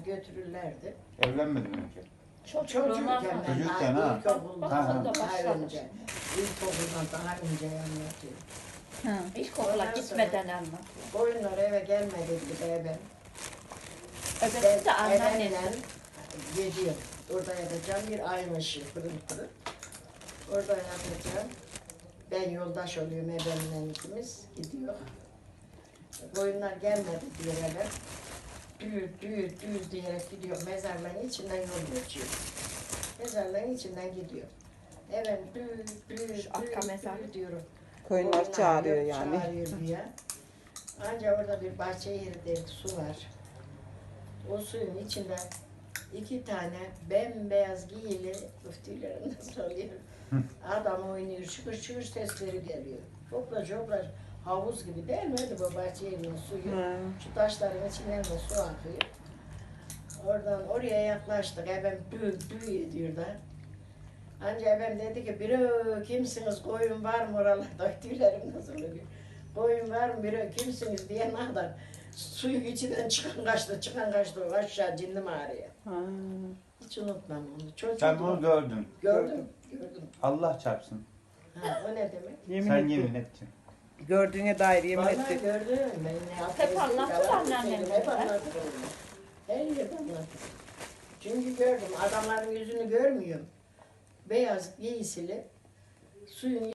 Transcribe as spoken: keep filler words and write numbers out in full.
götürürlerdi. Evlenmedin mi ki? Çocukken ben Çocukken daha ha. ilkokuldan Ha, ha. daha önce. İlkokuldan daha önce anlatıyor. Hı. İlkokula gitmeden anlat. Koyunlar eve gelmedi diye ben. Evet de anneannem. Evimle geliyor. Orada yatacağım bir ayın ışığı pırıl pırıl. Orada yatacağım. Ben yoldaş oluyorum evimle ikimiz gidiyor. Koyunlar gelmedi diye eve. Düğür düğür düğür diyerek gidiyor. Mezarlığın içinden yol geçiyor. Mezarlığın içinden gidiyor. Evet düğür düğür arka düğür mezar. düğür diyorum. Koyunlar çağırıyor yani. Çağırıyor diye. Ancak orada bir bahçe yeri su var. O suyun içinde iki tane bembeyaz giyili üftülerim nasıl oluyor? Adam oynuyor, şıkır şıkır sesleri geliyor. Hopla hopla havuz gibi değil mi öyle bu bahçe yerinin suyu? Hı. Şu taşların içinden de su akıyor. Oradan oraya yaklaştık. Ebem dü dü ediyor da. Ancak ebem dedi ki, biri kimsiniz, koyun var mı oralarda? Tüylerim nasıl oluyor? Koyun var mı, biri kimsiniz diye ne kadar suyun içinden çıkan kaçtı, çıkan kaçtı aşağı cindim ağrıya. Ha. Hiç unutmam onu. Çocuk Sen bunu gördün. gördüm, gördüm. Allah çarpsın. Ha, o ne demek? Yemin Sen ettim. yemin ettin. Gördüğüne dair yemin Vallahi ettim. gördüm. Ben ne yaptım? Hep anlatır anneannem. Hep anlatırım. Her yerde anlatırım. Çünkü gördüm. Adamların yüzünü görmüyorum. Beyaz giysili suyun